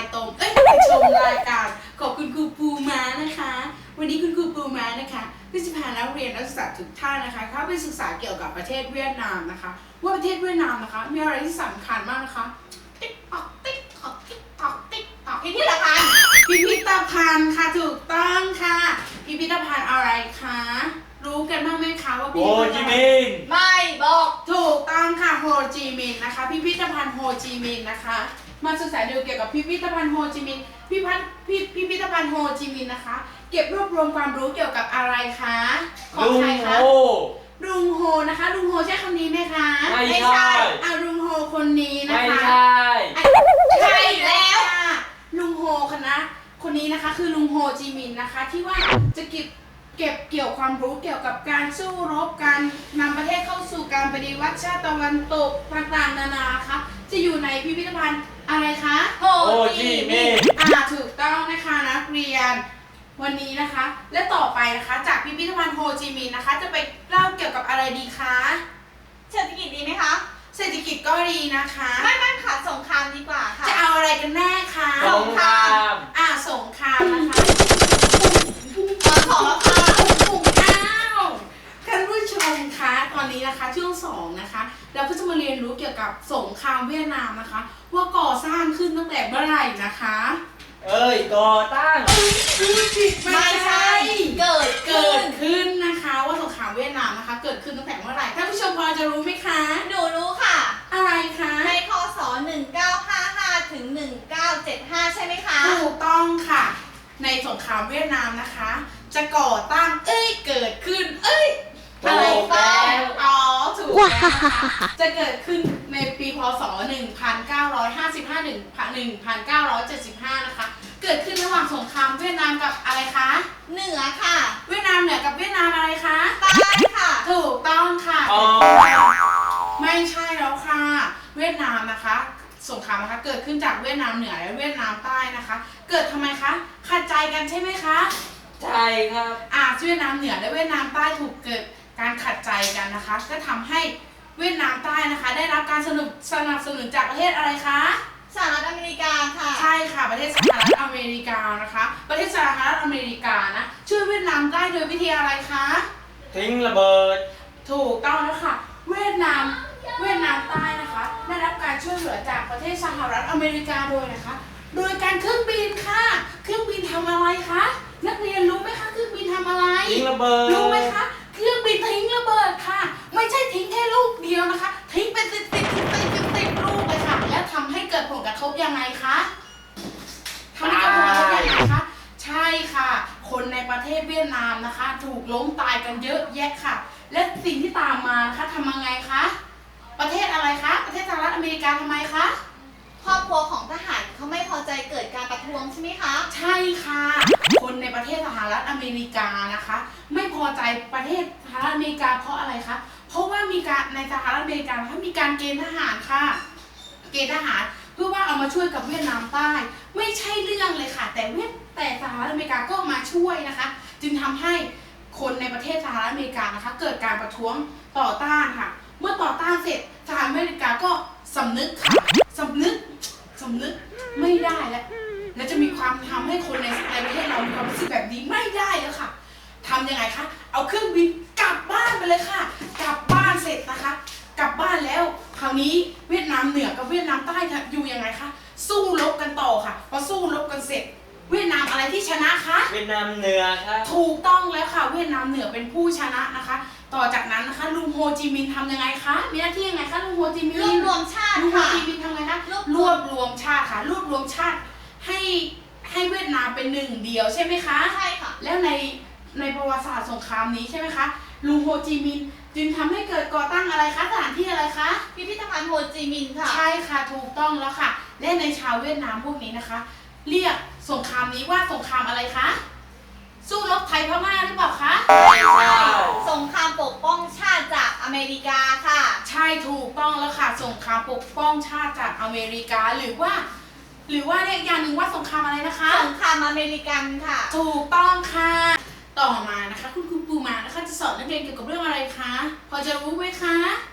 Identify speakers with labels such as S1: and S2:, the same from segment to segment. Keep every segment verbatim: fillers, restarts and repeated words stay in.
S1: ตรงเอ้ยไปชมรายการขอบคุณครูปูม้านะคะวันนี้คุณครูปูม้านะคะก็จะพานักเรียนนักศึกษาทุกท่านนะคะเข้าไปศึกษาเกี่ยวกับประเทศเวียดนามนะคะว่าประเทศเวียดนามนะคะมีอะไรที่สำคัญมากนะคะติ๊กตอกติ๊กตอกติ๊กตอกติ๊กตอกพิพิธภัณฑ์พิพิธภัณฑ์ค่ะถูกต้องค่ะพิพิธภัณฑ์อะไรคะรู้กันบ้างไหมคะว่าพิ
S2: โฮ
S1: พิธ
S2: จิ
S1: ภัณฑ์
S2: มินห์
S3: ไม่บอก
S1: ถูกต้องค่ะโฮจิมินห์นะคะพิพิธภัณฑ์โฮจิมินห์นะคะมาศึกษาดูเกี่ยวกับพิพิธภัณฑ์โฮจิมินห์พิพัฒน์พิพิพิธภัณฑ์โฮจิมินห์นะคะเก็บรวบรวมความรู้เกี่ยวกับอะไรคะของ
S2: ลุง
S1: ใคร
S2: โฮ
S1: คะลุงโฮนะคะลุงโฮใช่คำนี้ไหมคะ
S2: ไม่ใช่
S1: อ่ะลุงโฮคนนี้นะ
S2: ไม่
S1: คะ
S2: ใช่
S1: ใช่แล้วค่ะลุงโฮคณะคนนี้นะคะคือลุงโฮจิมินห์นะคะที่ว่าจะเก็บเก็บเกี่ยวความรู้เกี่ยวกับการสู้รบการนำประเทศเข้าสู่การปฏิวัติชาติตะวันตกต่างๆนานาคะจะอยู่ในพิพิธภัณฑ์อะไรคะ
S3: โฮ
S2: โฮ
S3: จิ
S2: จิ
S3: มิ
S2: มิ
S3: น
S2: น
S3: ห์
S2: ห์
S1: อ่าถูกต้องนะคะนักเรียนวันนี้นะคะ และต่อไปนะคะจากพิพิธภัณฑ์โฮจิมินห์นะคะ จะไปเล่าเกี่ยวกับอะไรดีคะ
S3: เศรษฐกิจดีไหมคะ
S1: เศรษฐกิจก็ดีนะคะ
S3: ไม่ไม่ค่ะสงครามดีกว่าค่ะ
S1: จะเอาอะไรกันแน่คะ
S2: สงคราม
S1: อ่าสงครามนะคะ
S3: ตอนสองแล้วค่ะ
S1: ปุ่มอ้าวท่านผู้ชมคะตอนนี้นะคะช่วงสองนะคะเราก็จะมาเรียนรู้เกี่ยวกับสงครามเวียดนามนะคะ ว่าก่อสร้างขึ้นตั้งแต่เมื่อไหร่นะคะ
S2: เอ้ยก่อตั้ง
S1: ไม่ใช่
S3: เกิด
S1: เกิ
S3: ขึ้
S1: ด
S3: น
S1: ขึ้นนะคะว่าสงครามเวียดนามนะคะ เกิดขึ้นตั้งแต่เมื่อไหร่ท่านผู้ชมพอจะรู้ไหมคะ
S3: หนูรู้ค่ะ
S1: อะไรคะ
S3: ในคศหนึ่งเก้าห้าห้าถึงหนึ่งเก้าเจ็ดห้าใช่ไหมคะ
S1: ถูกต้องค่ะ ในสงครามเวียดนามนะคะ จะก่อตั้งเอ้ยเกิดขึ้น เอ้ยอะไร
S2: ถูกแล้
S1: บ้าง
S2: ว
S1: อ๋อถูกแล้วนะคะจะเกิดขึ้นในปีพศหนึ่งพันเก้าร้อยห้าสิบห้าถึงหนึ่งพันเก้าร้อยเจ็ดสิบห้านะคะเกิดขึ้นระหว่างสงครามเวียดนามกับอะไรคะ
S3: เหนือค่ะ
S1: เวียดนามเหนือกับเวียดนามอะไรคะ
S3: ใต้ค่ะ
S1: ถูกต้องค่ะ
S2: อ๋อ
S1: ไม่ใช่แล้วค่ะ เวียดนามนะคะ สงครามนะคะ เกิดขึ้นจากเวียดนามเหนือและเวียดนามใต้นะคะ เกิดทำไมคะขัดใจกันใช่ไหมคะ
S2: ใช่ครับ
S1: อ่าเวียดนามเหนือและเวียดนามใต้ถูกเกิดการขัดใจกันนะคะ ก็ทำให้เวียดนามใต้นะคะ ได้รับการสนับสนับสนุนจากประเทศอะไรคะ
S3: สหรัฐอเมริกาค่ะ
S1: ใช่ค่ะประเทศสหรัฐอเมริกานะคะ ประเทศสหรัฐอเมริกานะช่วยเวียดนามใต้โดยวิธีอะไรคะ
S2: ทิ้งระเบิด
S1: ถูกต้องแล้วค่ะ เวียดนามเวียดนามใต้นะคะได้รับการช่วยเหลือจากประเทศสหรัฐอเมริกาโดยนะคะ โดยการเครื่องบินค่ะ เครื่องบินทำอะไรคะนักเรียนรู้ไหมคะเครื่องบินทำอะไร
S2: ทิ้งระเบิด
S1: รู้ไหมคะเครื่องบินทิ้งระเบิดค่ะ ไม่ใช่ทิ้งแค่ลูกเดียวนะคะ ทิ้งเป็นสิบสิบสิบสิบสิบสิบลูกเลยค่ะ แล้วทำให้เกิดผลกระทบยังไงคะทำให้เกิดผลกระทบยังไงคะใช่ค่ะ คนในประเทศเวียดนามนะคะ ถูกล้มตายกันเยอะแยะค่ะ และสิ่งที่ตามมานะคะทำยังไงคะประเทศอะไรคะประเทศสหรัฐอเมริกาทำไมคะ
S3: ครอบครัวของทหารเขาไม่พอใจเกิดการประท้วงใช่ไหมคะ
S1: ใช่ค่ะ คนในประเทศสหรัฐอเมริกานะคะ ไม่พอใจประเทศสหรัฐอเมริกาเพราะอะไรคะเพราะว่ามีการในสหรัฐอเมริกานะคะมีการเกณฑ์ทหารค่ะ เกณฑ์ทหารเพื่อว่าเอามาช่วยกับเวียดนามใต้ ไม่ใช่เรื่องเลยค่ะ แต่เวียดแต่สหรัฐอเมริกาก็มาช่วยนะคะ จึงทำให้คนในประเทศสหรัฐอเมริกานะคะ เกิดการประท้วงต่อต้านค่ะ เมื่อต่อต้านเสร็จสหรัฐอเมริกาก็สำนึกค่ะสำนึกสำนึกไม่ได้แล้วแล้วจะมีความทำให้คนในในประเทศเรามีความรู้สึกแบบนี้ไม่ได้แล้วค่ะทำยังไงคะเอาเครื่องบินกลับบ้านไปเลยค่ะ กลับบ้านเสร็จนะคะ กลับบ้านแล้วคราวนี้เวียดนามเหนือกับเวียดนามใต้อยู่ยังไงคะสู้รบกันต่อค่ะพอสู้รบกันเสร็จ เวียดนามอะไรที่ชนะคะ
S2: เวียดนามเหนือครับ
S1: ถูกต้องแล้วค่ะเวียดนามเหนือเป็นผู้ชนะนะคะ ต่อจากนั้นนะคะลุงโฮจิมินห์ทำยังไงคะมีหน้าที่ยังไงคะลุงโฮจิมินห์
S3: รวบรวมชาติ
S1: ลุงโฮ
S3: ค่ะ
S1: จิมินห์ทำไงคะ
S3: รวบ
S1: รวบรวมชาติค่ะรวบรวมชาติให้ให้เวียดนามเป็นหนึ่งเดียวใช่ไหมคะ
S3: ใช่ค่ะ
S1: แล้วในในประวัติศาสตร์สงครามนี้ใช่ไหมคะลุงโฮจิมินห์จึงทำให้เกิดก่อตั้งอะไรคะสถานที่อะไรคะ
S3: พิพิธภัณฑ์โฮจิมินห์ค่ะ
S1: ใช่ค่ะถูกต้องแล้วค่ะ และในชาวเวียดนามพวกนี้นะคะ เรียกสงครามนี้ว่าสงครามอะไรคะสู้รบไทยพม่าหรือเปล่าคะ
S3: ไม่ใช่สงครามปกป้องชาติจากอเมริกาค่ะ
S1: ใช่ถูกต้องแล้วค่ะสงครามปกป้องชาติจากอเมริกาหรือว่า หรือว่าเรียกอย่างหนึ่งว่าสงครามอะไรนะคะ
S3: สงครามอเมริกันค่ะ
S1: ถูกต้องค่ะ ต่อมานะคะ คุณครูปูมานะคะจะสอนนักเรียนเกี่ยวกับเรื่องอะไรคะพอจะรู้ไหมคะ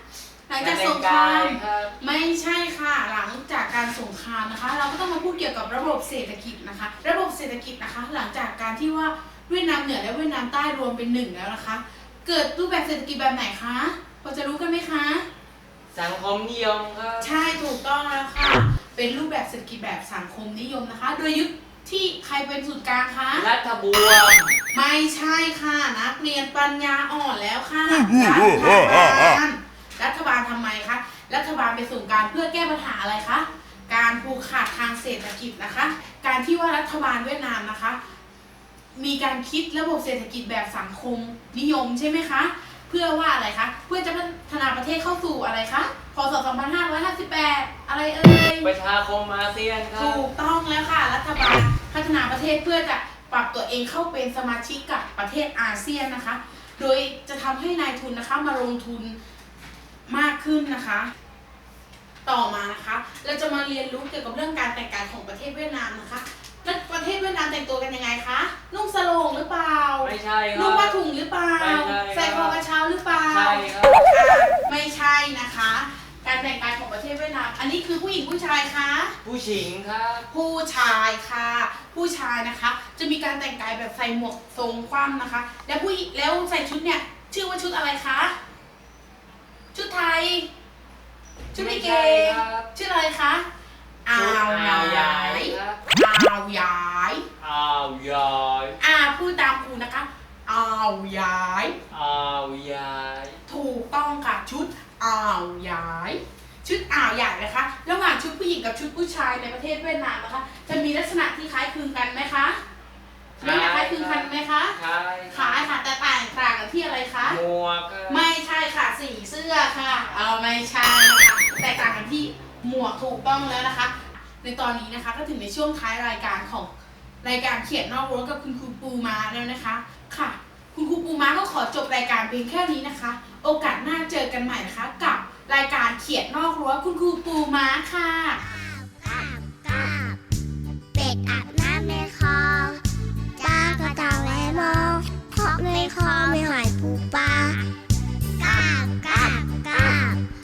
S1: หลังจากสงคราม
S2: ครับ
S1: ไม่ใช่ค่ะหลังจากการสงครามนะคะ เราก็ต้องมาพูดเกี่ยวกับระบบเศรษฐกิจนะคะ ระบบเศรษฐกิจนะคะ หลังจากการที่ว่าเวียดนามเหนือและเวียดนามใต้รวมเป็นหนึ่งแล้วนะคะ เกิดรูปแบบเศรษฐกิจแบบไหนคะพอจะรู้กันไหมคะ
S2: สังคมนิยมครับ
S1: ใช่ถูกต้องแล้วค่ะ เป็นรูปแบบเศรษฐกิจแบบสังคมนิยมนะคะ โดยยึดที่ใครเป็นศูนย์กลางคะ
S2: รัฐบวม
S1: ไม่ใช่ค่ะนักเรียนปัญญาอ่อนแล้วค่ะรัฐบาลรัฐบาลทำไมคะรัฐบาลเป็นศูนย์กลางเพื่อแก้ปัญหาอะไรคะการผูกขาดทางเศรษฐกิจนะคะ การที่ว่ารัฐบาลเวียดนามนะคะ มีการคิดระบบเศรษฐกิจแบบสังคมนิยมใช่ไหมคะเพื่อว่าอะไรคะเพื่อจะพัฒนาประเทศเข้าสู่อะไรคะพศสองพันห้าร้อยห้าสิบแปดอะไรเอ่ย
S2: ประชาคมอาเซียนครับ
S1: ถูกต้องแล้วค่ะรัฐบาลพัฒนาประเทศเพื่อจะปรับตัวเองเข้าเป็นสมาชิกกับประเทศอาเซียนนะคะ โดยจะทำให้นายทุนนะคะมาลงทุนมากขึ้นนะคะ ต่อมานะคะ เราจะมาเรียนรู้เกี่ยวกับเรื่องการแต่งกายของประเทศเวียดนามนะคะแล้วประเทศเวียดนามแต่งตัวกันยังไงคะนุ่งสโลงหรือเปล่า
S2: ไม่ใช่ครับ
S1: นุ่งผ้าถุงหรือเปล่า
S2: ไม่ใช่ครับ
S1: ใส่คอกระเช้าหรือเปล่า
S2: ใช่ครับ
S1: อ่าไม่ใช่นะคะ การแต่งกายของประเทศเวียดนามอันนี้คือผู้หญิงผู้ชายคะ
S2: ผู้หญิงครับ
S1: ผู้ชายค่ะ ผู้ชายนะคะ จะมีการแต่งกายแบบใส่หมวกทรงคว่ำนะคะ แล้วผู้หญิงแล้วใส่ชุดเนี่ย ชื่อว่าชุดอะไรคะชุดไทย ชุดลิเก
S2: ไม่ใช่ครับ
S1: ชื่ออะไรคะอ่าว
S2: อ่าว
S1: าย
S2: ยาย ยครับ
S1: อ่าวยาย
S2: อาวยาย
S1: อ่าพูดตามครูนะคะอ่าวยาย
S2: อาวยาย
S1: ถูกต้องค่ะชุดอ่าวยาย ชุดอ่าวใหญ่นะคะ ระหว่างชุดผู้หญิงกับชุดผู้ชายในประเทศเวียดนามนะคะ จะมีลักษณะที่คล้ายคลึงกันไหมคะลักษณะคล้ายคลึงกันไหมคะ
S2: ใช่
S1: คล้ายค่ะแต่ต่างต่างกันที่อะไรคะ
S2: หมวกครับ
S1: ไม่ใช่ค่ะสีเสื้อค่ะเออไม่ใช่นะคะแต่ต่างกันที่หมวกถูกต้องแล้วนะคะ ในตอนนี้นะคะก็ถึงในช่วงท้ายรายการของรายการเขียนนอกรั้วกับคุณครูปูม้าแล้วนะคะค่ะ คุณครูปูม้าก็ขอจบรายการเพียงแค่นี้นะคะ โอกาสหน้าเจอกันใหม่นะคะ กับรายการเขียนนอกรั้วคุณครูปูม้าค่ะ